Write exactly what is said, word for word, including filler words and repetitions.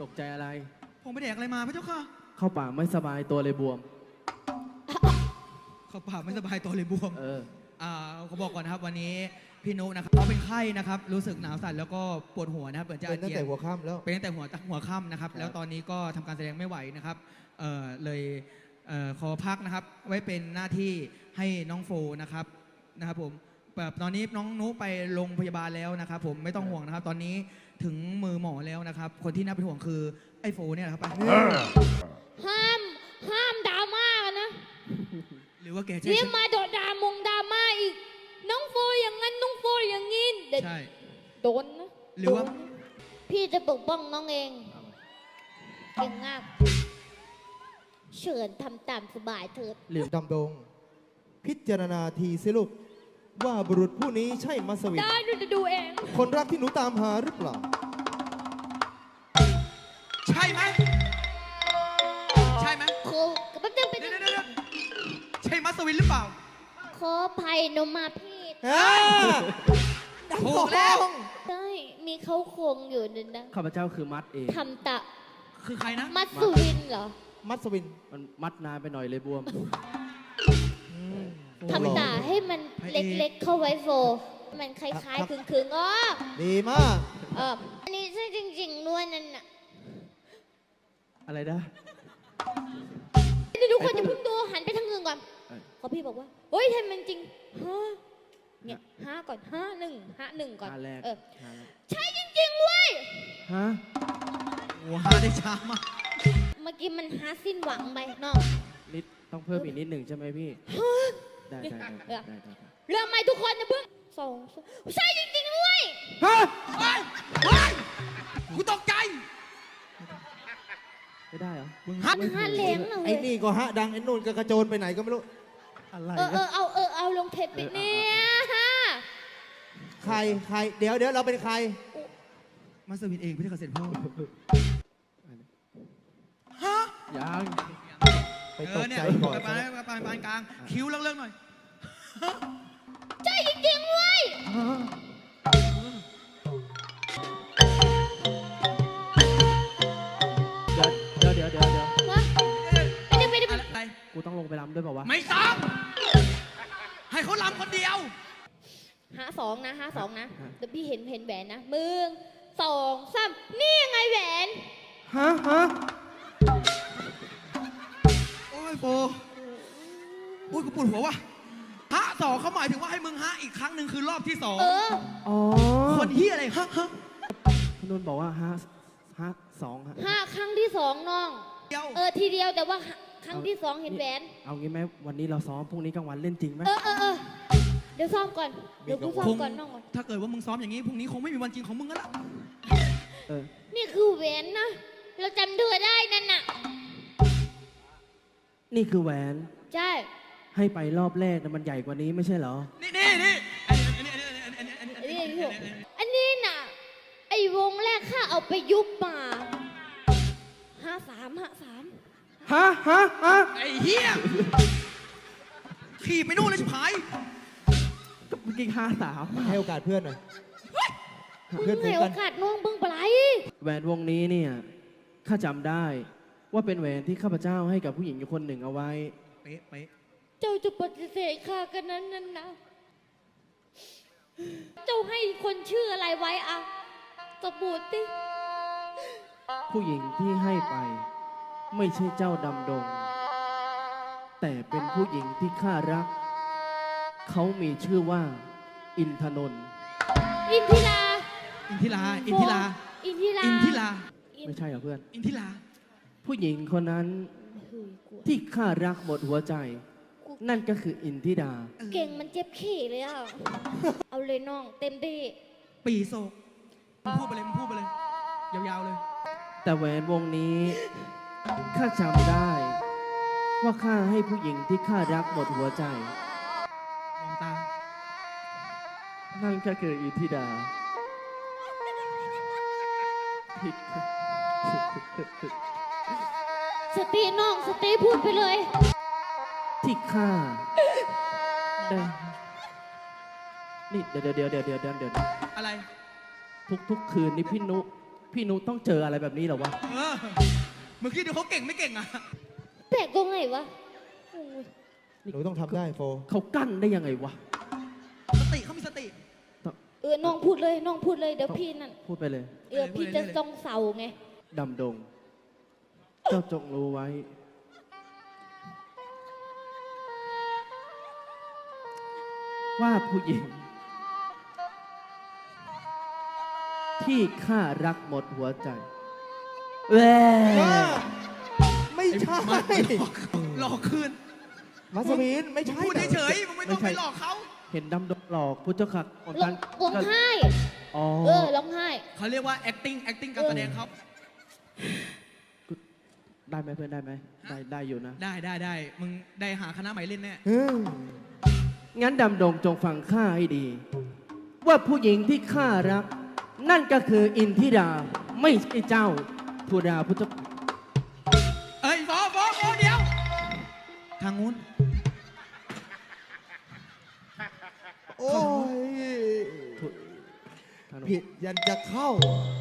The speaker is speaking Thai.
ตกใจอะไรผมไปแดกอะไรมาพระเจ้าค่ะเข้าป่าไม่สบายตัวเลยบวมเข้าป่าไม่สบายตัวเลยบวมเอออ่าเขาบอกก่อนนะครับวันนี้พี่นุนะครับเขาเป็นไข้นะครับรู้สึกหนาวสั่นแล้วก็ปวดหัวนะครับเปิดจะเป็นตั้งแต่หัวค่ำแล้วเป็นตั้งแต่หัวหัวค่ำนะครับแล้วตอนนี้ก็ทำการแสดงไม่ไหวนะครับเออเลยเออขอพักนะครับไว้เป็นหน้าที่ให้น้องโฟนะครับนะครับผมแบบตอนนี้น้องนุไปโรงพยาบาลแล้วนะครับผมไม่ต้องห่วงนะครับตอนนี้ถึงมือหมอแล้วนะครับคนที่น่าเป็นห่วงคือไอ้โฟเนี่ยนะครับห้ามห้ามดราม่ากันนะหรือว่าแกจะเรียกมาโดดดามงดราม่าอีกน้องโฟอย่างนั้นน้องโฟอย่างงี้ใช่โดนนะหรือว่าพี่จะปกป้องน้องเองเก่งมากเชิญทำตามสบายเถิดหรือดำดงพิจารณาทีสิลูกว่าบุรุษผู้นี้ใช่มัสวินได้ดูจะดูเองคนรักที่หนูตามหาหรือเปล่าใช่ไหมใช่ไหมโคกับแป๊บนึงเป็นใช่มัสวินหรือเปล่าขอภัยนมาพีดถูกแล้วได้มีเขาโครงอยู่นั่นนะข้าพเจ้าคือมัดเองทำตะคือใครนะมัสวินเหรอมัสวินมันมัดนานไปหน่อยเลยบวมทำตาให้มันเล็กๆเข้าไว้โฟมันคล้ายๆคึงๆอ๋อดีมากเอออันนี้ใช่จริงๆด้วยนั่นน่ะอะไรนะทุกคนจะพึ่งดูหันไปทางเงินก่อนเพราะพี่บอกว่าเฮ้ยทำมันจริงฮะเนี่ยห้าก่อนห้าหนึ่งห้าหนึ่งก่อนเออใช่จริงๆเว้ยฮะว้าได้ช้ามากเมื่อกี้มันหาสิ้นหวังไปน้องนิดต้องเพิ่มอีกนิดหนึ่งใช่ไหมพี่ได้ได้ได้ได้เรื่องไม่ทุกคนนะเพิ่งสองใช่จริงๆด้วยฮะเฮ้ยเฮ้ยกูตกใจไม่ได้เหรอมึงฮัทฮัทเลี้ยงเลยไอ้นี่ก็ฮะดังไอ้นู่นก็กระโจนไปไหนก็ไม่รู้อะไรเออเออเอาเออเอาลงเทปไปเนี่ยฮะใครใครเดี๋ยวเดี๋ยวเราเป็นใครมาสวินเองพี่เกษตรพ่อฮะยังไปตกใจก่อนไปไปไปปานกลางคิ้วเลิกๆหน่อยใช่จริงๆเว้ยเดี๋ยวเดี๋ยวเดี๋ยวเดี๋ยววะไม่ได้ไม่ได้อะไรกูต้องลงไปรำด้วยเปล่าวะไม่ต้องให้เขารำคนเดียวหาสองนะหาสองนะเดี๋ยวพี่เห็นเห็นแหวนนะมึงสองสามนี่ยังไงแหวนฮะฮะโอ้ยโฟโอ้ยกูปวดหัวว่ะฮะสองเขาหมายถึงว่าให้มึงฮะอีกครั้งหนึ่งคือรอบที่สองเอออ๋อคนที่อะไรฮะฮะคุณนุ่นบอกว่าฮะฮะสองฮะห้าครั้งที่สองน้องเออทีเดียวแต่ว่าครั้งที่สองเห็นแหวนเอางี้ไหมวันนี้เราซ้อมพรุ่งนี้กลางวันเล่นจริงไหมเออเออเออเดี๋ยวซ้อมก่อนเดี๋ยวกูซ้อมก่อนน้องก่อนถ้าเกิดว่ามึงซ้อมอย่างนี้พรุ่งนี้คงไม่มีวันจริงของมึงแล้วล่ะเออนี่คือแหวนนะเราจำเธอได้นั่นน่ะนี่คือแหวนใช่ให้ไปรอบแรกแต่มันใหญ่กว่านี้ไม่ใช่เหรอนี่นี่นี่อันนี้อันนี้อันนี้อันนี้อันนี้อันนี้น่ะไอ้วงแรกข้าเอาไปยุบมาห้าสามห้าสามฮะฮะฮะไอ้เหี้ยขี่ไปนู่นเลยชิบหายเมื่อกี้ห้าสามให้โอกาสเพื่อนหน่อยเพื่อนให้โอกาสน้องเบิ่งปลายแหวนวงนี้เนี่ยข้าจำได้ว่าเป็นแหวนที่ข้าพเจ้าให้กับผู้หญิงอยู่คนหนึ่งเอาไว้เป๊ะเป๊ะเจ้าจะปฏิเสธข้ากันนั้นนั่นนะเจ้าให้คนชื่ออะไรไว้อะสบู่ติผู้หญิงที่ให้ไปไม่ใช่เจ้าดำดงแต่เป็นผู้หญิงที่ข้ารักเขามีชื่อว่าอินทนนท์อินทิราอินทิราอินทิราอินทิราอินทิราไม่ใช่เหรอเพื่อนอินทิราผู้หญิงคนนั้นที่ข้ารักหมดหัวใจนั่นก็คืออินทิดาเก่งมันเจ็บขี้เลยอ่ะเอาเลยน้องเต็มที่ปีโซมึงพูดไปเลยมึงพูดไปเลยยาวๆเลยแต่แหวนวงนี้ข้าจำได้ว่าข้าให้ผู้หญิงที่ข้ารักหมดหัวใจมองตานั่นก็คืออินทิดาสติน้องสติพูดไปเลยที่ข้านี่เดี๋ยวเดี๋ยวเดี๋ยวเดี๋ยวเดี๋ยวเดี๋ยวอะไรทุกทุกคืนนี่พี่นุพี่นุต้องเจออะไรแบบนี้เหรอวะเออเมื่อกี้ดูเขาเก่งไม่เก่งอ่ะแปลกตรงไหนวะโอ้ยหนูต้องทำได้โฟเขากั้นได้ยังไงวะสติเขามีสติเออน้องพูดเลยน้องพูดเลยเดี๋ยวพี่นั่นพูดไปเลยเออพี่จะจ้องเสาไงดำดง เจ้าจงรู้ไว้ ว่าผู้หญิง ที่ข้ารักหมดหัวใจแหวไม่ใช่หลอกคืนมัสมินไม่มึงใช่พูดเฉยๆมึงไม่ต้องไปหลอกเขาเห็นดำดงหลอกพุทธคักคนร้อนั้งนร้องไห้อ๋อเออร้องไห้เขาเรียกว่า acting acting การแสดงเขาได้ไหมเพื่อนได้ไหมได้ได้อยู่นะได้ได้ได้มึงได้หาคณะใหม่เล่นแน่เอองั้นดำดงจงฟังข้าให้ดี ว่าผู้หญิงที่ข้ารัก นั่นก็คืออินทิราไม่ใช่เจ้าธุดาพุทธเอ้ยฟอฟอฟอเดี๋ยว ทางนู้นโอ้ยทางโน้นผิดยันจะเข้าเ